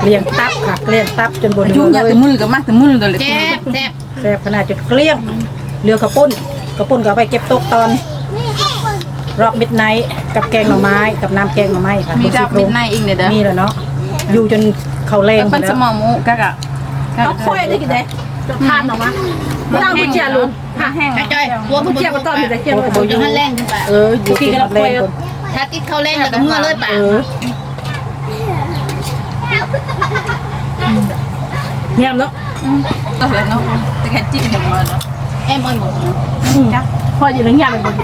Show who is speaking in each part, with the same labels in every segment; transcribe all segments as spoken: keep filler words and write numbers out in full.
Speaker 1: เลี้ยงตับค่ะเลี้ยงตับจนบน
Speaker 2: ยุ่งยากแต่มือกับมากแต่มือตัวเลย
Speaker 3: แซ่บแซ่บ
Speaker 1: แซ่บขนาดจุดเกลี้ยงเรือกระปุ้นกระปุ้นก็เอาไปเก็บตกตอนรอบมิดไนท์กับแกงหน่อไม้กับน้ำแกงหน่อไม้ค่ะ
Speaker 2: มีดับมิดไนเองเนี่ยเด้อ
Speaker 1: มีแล้วเนาะอยู่จนเขาแรง
Speaker 2: เป็นสมองมุกะกะ
Speaker 1: เอาค่อยได้กี่เด้จนทานออกมาไม่ต้องกุญแจลุง
Speaker 2: แห้ง
Speaker 3: จ้อยตัว
Speaker 1: กุญแจมาต้อนอยู่แต่เกี่ยว
Speaker 3: ตัวอยู่ข้างแรงขึ้นไป
Speaker 1: เอออยู่ที่เราแรงคน
Speaker 3: ถ้าติดเข้าแรงแล้วก็เมื่อเลยป่ะ
Speaker 1: เออเงียบเนาะ
Speaker 2: ก็เลยเนาะแต่แค่จิ้มอย่างมันเนาะ
Speaker 3: แอมอ้อยหมด
Speaker 1: พออยู่ในเงียบเลย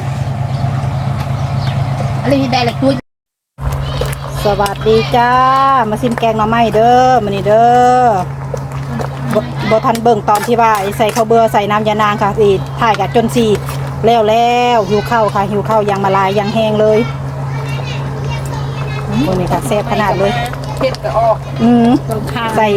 Speaker 3: อะไรที่ได้ละตัว
Speaker 1: สวัสดีจ้ามาซิมแกงหน่อไม้เด้อมานี่เด้อบ่ทันเบิ่งตอนที่ว่าใส่ข้าวเบื่อใส่น้ำยานางค่ะสิถ่ายกับจนสีแล้วแล้วหิวข้าวค่ะหิวข้าวยังมาลายยังแห้งเลยโอ้นี่ค่ะแซ่บขนาดเลย
Speaker 2: เผ็ดก็ออก
Speaker 1: อืมใส่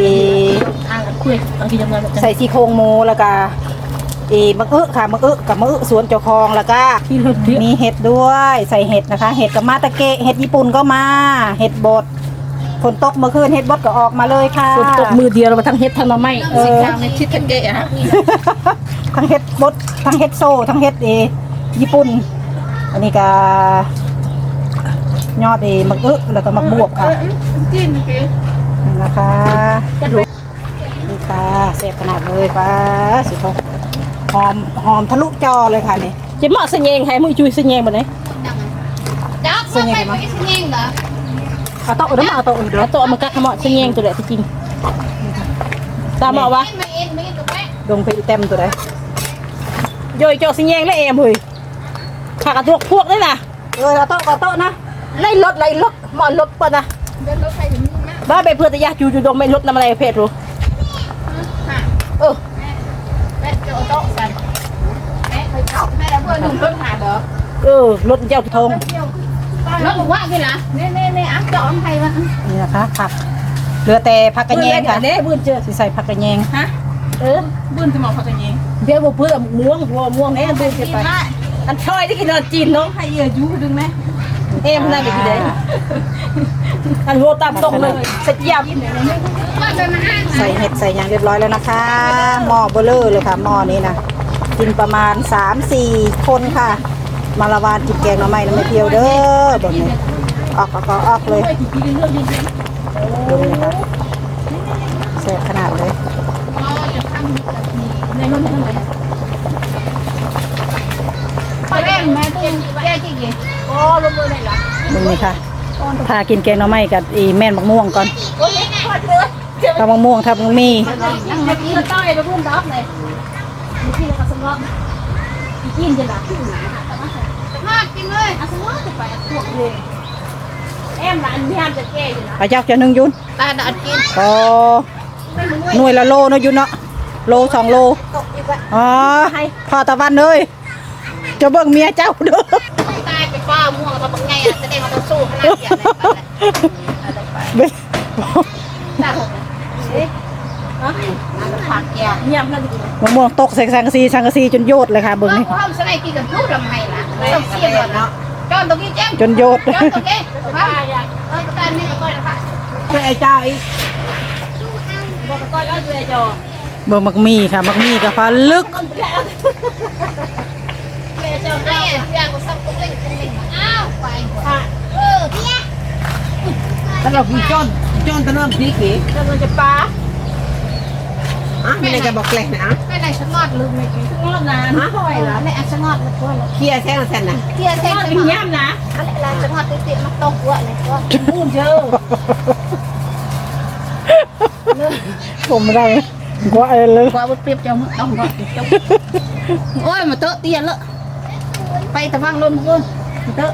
Speaker 1: ใส่ซี่โครงหมูแล้วก็อีมะอึค่ะมะอึกับมะอึสวนเจ้าของแล้วก็มีเห็ดด้วยใส่เห็ดนะคะ เห็ดกับมาตะเกะเห็ดญี่ปุ่นก็มาเห็ดบดฝนตกเมื่อคืนเห็ดบดก็ออกมาเลยค่ะฝนตกมือเดียวเราทั้งเห็ดทั้งมาไม่
Speaker 3: สิทางในชิดกันเกะฮะ
Speaker 1: ทั้งเห็ดบดทั้งเห็ดโซ่ทั้งเห็ดเอญี่ปุ่นอันนี้ก็ยอดเอมะอึแล้วก็มะบวบค่ะ
Speaker 3: กินกิน
Speaker 1: นี่นะคะนี่ค่ะเสพขนาดเลยป้าสิเขาหอมหอมทะลุจอเลยค่ะนี่จะมาเสยงให้มือจุยเสยงมาไหน
Speaker 3: จับเข้าไปไม่ใช่เงี้ยเหรอ
Speaker 1: เอาโต๊ะเดี๋ยวมาเอาโต๊ะเดี๋ยวโต๊ะมันกัดขมอเสยงตัวเด็ดจริงตามเอาวะ
Speaker 3: ไม่เอ็นไม่เอ็นตัวแม่
Speaker 1: ดงไปเต็มตัวไหนโยยเจาะเสยงแล้วเอ็มเฮ้ยขากระตุกพวกได้น่ะเออเอาโต๊ะเอาโต๊ะนะไล่รถไล่รถหมอนรถปะนะ
Speaker 3: เดินรถไฟถึงนี่นะ
Speaker 1: บ้าไปเพื่อจะยาจูจูดงไม่รถน้ำอะไรเพชรรู้เออ
Speaker 3: แม่จะเอาโต๊ะสั่นแม่เคยขับแม่แล้วเพื่อนหนุ่มรถหาเด้อ
Speaker 1: เออรถเจ้าทง
Speaker 3: รถบอกว่ากี่ล่ะเน่เน่เน่อ่ะจอดใครวะ
Speaker 1: นี่นะคะผักเหลือแต่ผักกระแยงค่ะเด้บื้นเจอสิใส่ผักกระแยง
Speaker 2: ฮะ
Speaker 1: เออ
Speaker 2: บื้นสมองเขาจะยิง
Speaker 1: เดี๋ยวบ่เพื่อม่วงหัวม่วงแน่บื้นจะไปอันช่อยที่กินจีนเนาะ
Speaker 2: ให้เยอะยุ่ดึงไหม
Speaker 1: เอ็มนั่นก็กินได้อันหัวตามตรงเลยสเจียบ
Speaker 3: ว่าจะมาห้าง
Speaker 1: ใส่เห็ดใส่ยางเรียบร้อยแล้วนะคะหม้อเบลเลอร์เลยค่ะหม้อนี้นะกินประมาณ สามสี่คนค่ะ มาละวานจิบแกงหน่อไม้แล้วไม่เที่ยวเด้อแบบนี้ออกออกออกเลยดูนี่ค่ะแซ่บขนาดเลย
Speaker 3: ไปแม่แม่ตุ้งแย่จริงๆโอ้ลงมือเลยเหรอ
Speaker 1: ดูนี่ค่ะพากินแกงหน่อไม้กับอีแม่นมะม่วงก่อน
Speaker 3: โอ้ยขอดเลย
Speaker 1: ถ้ามะม่วงถ้ามันมี
Speaker 3: นั่งเมื่อกี้ต้อยไปพุ่งดอกเลยเมื่อกี้เราก็สงบอีกินจะหลับมากจริงเลยอ่ะสงบจะไปพวกเลยแอมร้านพี่ฮามจะแก้อยู่นะ
Speaker 1: อาเจ้าจะนึ่งยุน
Speaker 3: ตาดัดกิน
Speaker 1: ก็หน่วยละโลเนาะยุนเนาะโลสองโลอ๋อพอตะวันเลยจะเบิ่งเมียเจ้าเด้อ
Speaker 3: ตายไปฟ้าม่วงเราเป็นไงอ่ะจะได้มาต้องสู้ขนาดใหญ่เลย ตาหกเอ๊ะน้ำผักแก้วเยี่ยมเลย
Speaker 1: มะม่วงตกใส่สังกะสีสังกะสีจนโยดเลยค่ะเบิ่งนี่
Speaker 3: เขาสไลด์กินกับพูดทำไมล่ะต้องเสียบเนาะจอนตรงนี้เจ๊
Speaker 1: จนโยด
Speaker 3: จอนตรงนี้ครับเออตอนนี้ก็ก้อยนะคะ
Speaker 1: ช่วยไอ้เจ้าอีก
Speaker 3: บอกก้อยแล้วดูไอ้จอ
Speaker 1: เบิ่งมักมีค่ะมักมีกับฟ้าลึก
Speaker 3: ไอ้จอไอ้เสียก็ซับตรงนี้ตรงนี้อ้าวไปเออพี่
Speaker 2: ถ้าเราพี่จ้อนจ้อนตะเริ่มพีกี
Speaker 1: จะมันจะปลา
Speaker 2: อ่ะไม่ได้จะบอกแกล้งนะ
Speaker 3: ไม่ไหนฉันงอดลืมไม่กิน
Speaker 1: งอดนะ
Speaker 3: ฮะไม่เหรอไม่อ่ะฉันงอดเลยก้อยเลย
Speaker 2: เคลียร์แท้งสันนะ
Speaker 3: เที่ยเส้น
Speaker 1: งอด
Speaker 3: ฉัน
Speaker 1: เป็น
Speaker 3: งอด
Speaker 1: ย่ำนะ
Speaker 3: อะไรอะไรฉันงอดติดๆมันตกหัวเลยก็
Speaker 1: พูดเยอะผมไม่ได้กว่าเอเลย
Speaker 3: กว่าเปรียบจังต้องงอดจังโอ้ยมาเตอะเตี้ยละไปตะฟังลมกูมาเตอะ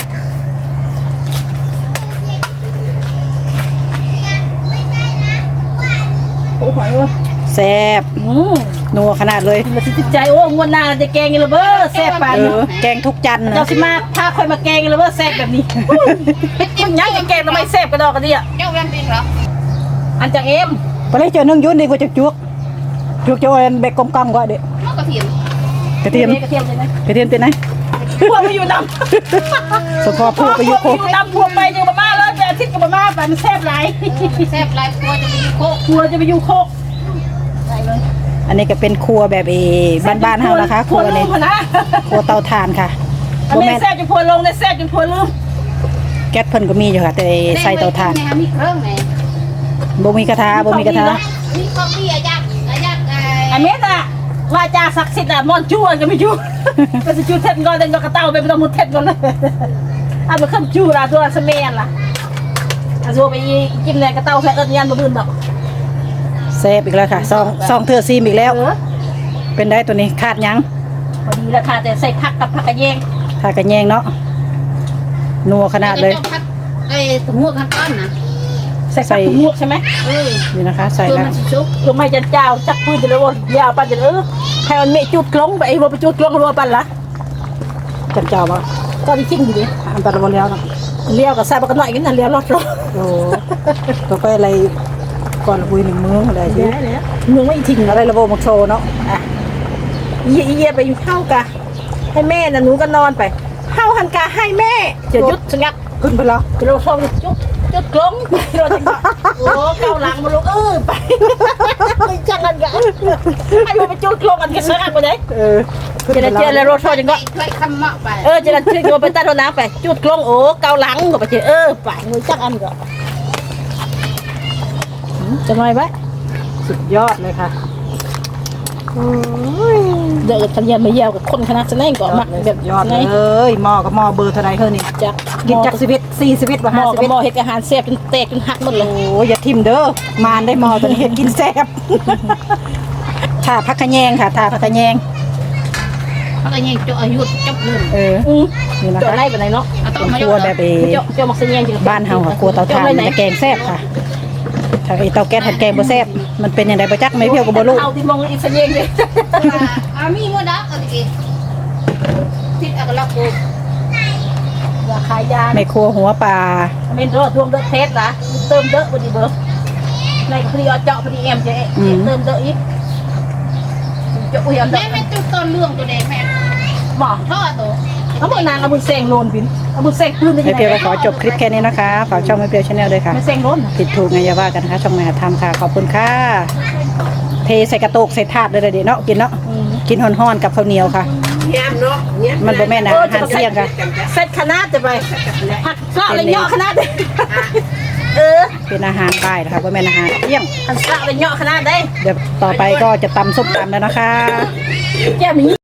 Speaker 1: แซ่บนัวขนาดเลย
Speaker 4: มันติดใจโอ้งวดหน้าจะแกงอีกแล้วเบ้อแซ่บปาน
Speaker 1: เอ
Speaker 4: นี้
Speaker 1: อแกงทุกจันทร์นะ
Speaker 4: เจ้าสิมาพาคอยมาแกงอีกแล้วเบ้อแซ่บแบบนี้มันยังจะแกงทำไมแซ่บกระดอกกระเดีย
Speaker 3: เจ้าแวนเป็นเหรอ
Speaker 4: อันจากเอ็ม
Speaker 1: ไปเลยเจอนึ่งยุ่นดีกว่าจะจุกจุกจะเอาเบกกลมๆกว่าเด็ก
Speaker 3: นอกกระเทียม
Speaker 1: กระเทียม
Speaker 4: กระเทียมเลยนะ
Speaker 1: กระเทียมเป็นไง
Speaker 4: พวกไปอยู่ดำ
Speaker 1: สปอร์ตพูดไปยุโค
Speaker 4: อยู่ดำพวกไปยังมาม่าแล้วแต่อาทิทิตย์กับมาไปมันแซ่บหลาย
Speaker 3: แซ่บหลายครัวจะไปอยู่โคก
Speaker 4: ครัวจะไปอยู่โคกได้เลย
Speaker 1: อันนี้ก็เป็นครัวแบบเอบ้านๆเฮานะคะครัวนี่
Speaker 4: พอนะ
Speaker 1: ครัวเตาถ่านค่ะ
Speaker 4: อัน
Speaker 1: บ่
Speaker 4: นี้
Speaker 1: แม่น
Speaker 4: แซ่บจนพัวลงได้แซ่บจนพัวลืม
Speaker 1: แก๊สเพิ่นก็มีอยู่ค่ะ แต่ใส่เตาถ่าน
Speaker 3: มีเครื่องไหม
Speaker 1: บ่มีกระทะบ่มีกระทะ
Speaker 3: มีของดีอะยักษ์อะยักษ์ไอ้
Speaker 4: อันนี้น่ะวาจาศักดิ์สิทธิ์อ่ะมอนชั่วก็ไม่ชั่วก็จะชั่วเท็ดก่อนเดินกระเต้าไปไม่ต้องมุดเท็ดก่อนเลยเอาไปขึ้นชั่วละตัวสเมียนล่ะอาซัวไปกินแรงกระเต้าแค่เอิญยันบ่บืนดอก
Speaker 1: แซ่บอีกแล้วค่ะซองซองเทื่อซีมอีกแล้ว
Speaker 4: เออ
Speaker 1: เป็นได้ตัวนี้ขาดหยัง
Speaker 4: พอดีแล้วค่ะแต่ใส่ผักกับผักกระเยง
Speaker 1: ถ้ากระแยงเนาะนัวขนาดเลย
Speaker 3: ไอ้ตัวหัวขั้นต้นนะ
Speaker 4: ใส่ผักหมวกใช่ไหม
Speaker 3: เออ
Speaker 1: นี่นะคะ ใส่
Speaker 3: ตัว
Speaker 1: แล้ว
Speaker 3: มันชุก
Speaker 4: ลงไม่จันเจ้าจักปืนจะเลยว่ายาวปันจะเออให้มันเมจุดกลงไปไอ้วัวไปจุดกลงรัวปันละ
Speaker 1: จันเจ้าบ่
Speaker 4: ก็ไปทิ้งอยู่ดิ
Speaker 1: อันตรายแล้วเนาะ
Speaker 4: เลี้ยวกับใส่บักหน่อยกันนะเลี้ยวรอดรอด
Speaker 1: โอ้ตัวไปอะไรก่อนคุยหนึ่งมื้ออะไรที่
Speaker 4: มึงไม่ทิ้ง
Speaker 1: อะไรระบบมักโชว์เนาะ
Speaker 4: อ่ะเยี่ยเยี่ยไปอยู่เข้ากะให้แม่น่ะหนูก็นอนไปเข้าหันกาให้แม่จะยุดสงัก
Speaker 1: ขึ้นไปแล้ว
Speaker 4: จะเราชอบจุดจุดกลงเราจะโอ้เกาหลังมาลงเออไปจังกันกะไอ้พวกไปจุดกลงกันกันสงักไปไหน
Speaker 1: เออ
Speaker 4: จะได้เจอแล้วรถชอบจังก็
Speaker 3: เคยคำเหมาะไป
Speaker 4: เออจะได้เจอไปใต้รถน้ำไปจุดกลงโอ้เกาหลังก็ไปเจอเออไปมือจังอันก็จะน้อยไหม
Speaker 1: สุดยอดเลยค่ะ
Speaker 4: เดี๋ยวทันยันมาเยี่ยวกับคนคณะแสดงก่อนมักแบบ
Speaker 1: ยอด
Speaker 4: ไง
Speaker 1: เลยหม้อกับหม้อเบอร์เท่าไรเท่านี้
Speaker 4: จัก
Speaker 1: กินจากสิบเอ็ดสี่สิบเอ็ดว่า
Speaker 4: หม้
Speaker 1: ห้า
Speaker 4: อ
Speaker 1: สิบ
Speaker 4: กับ
Speaker 1: เอ็ด
Speaker 4: หม้อเห็ดอาหารแซ่บจนแตกจนหักหมดเลย
Speaker 1: โอ้อย่าทิมเด้อมานได้หม้อตัวนี้เห็ดกินแซ่บถ่าพักขะแยงค่ะถ่าพักขะแยง
Speaker 3: เขาก็ยังจะอายุจบเลย
Speaker 1: เออ
Speaker 4: อือ
Speaker 1: นี่นะ
Speaker 4: เจาะ
Speaker 1: คะ
Speaker 4: ไล่ไปไหนเนาะ
Speaker 1: เป็นครัวแบบเอ
Speaker 4: เจาะเจาะหมักเสียงจริง
Speaker 1: บ้านเฮาค่ะครัวเตาถ่านมันจะแกงแซ่บค่ะถ้าไอเตาแก๊สหัดแกงบ่แซ่บมันเป็นยังไงบ่จักไม่เพียวกับบ่รู้
Speaker 4: เอาที่มองอีกเสียงเลย
Speaker 3: อามีโมดักอะไรกี่ทิศอักลักกู
Speaker 4: ราคายา
Speaker 1: ไม่ครัวหัวปลา
Speaker 4: เป็นรถรวมเดอะเทสนะเติมเดอะพอดีเบอร์ในพอดีเอาเจาะพอดีเอ็มจะเติมเดอะอีกเจาะอุ้ยเอาเด
Speaker 3: แม่
Speaker 4: อะ
Speaker 3: แม่ตัวต้นเรื่องตัวเด็กแม่
Speaker 4: หมอ
Speaker 3: ท่อตัว
Speaker 4: เขาบอกนางเอาบุญเซงโลนบินเอาบุญเซงปืนได้
Speaker 1: ไม่
Speaker 4: ยัง
Speaker 1: เพียว
Speaker 4: ไง
Speaker 1: ก็ขอจบคลิปแค่นี้นะคะฝากช่องไม่เพียวชาแนลด้วยค่ะ
Speaker 4: ไม่เซงโลน
Speaker 1: ผิดถูกไงอย่าว่ากันนะคะช่องแม่ทำค่ะขอบคุณค่ะเทใส่กระโตกใส่ถาดเลยเดี๋ยวเนาะกินเนาะกินห่อนๆกับข้าวเหนียวค่ะ
Speaker 2: แย้มเนาะแย้ม
Speaker 1: มันบ่แม่นอาหารเที่ยงค่ะ
Speaker 4: เซตคณะจะไปผักกะอะไรเนาะคณะเออ
Speaker 1: เป็นอาหารบ่ายนะคะบ่แม่นอาหารเที่ยง
Speaker 4: ผักกะอะไรเนาะคณะได้
Speaker 1: เดี๋ยวต่อไปก็จะตำส้มตำแล้วนะคะ
Speaker 4: แก้มนี้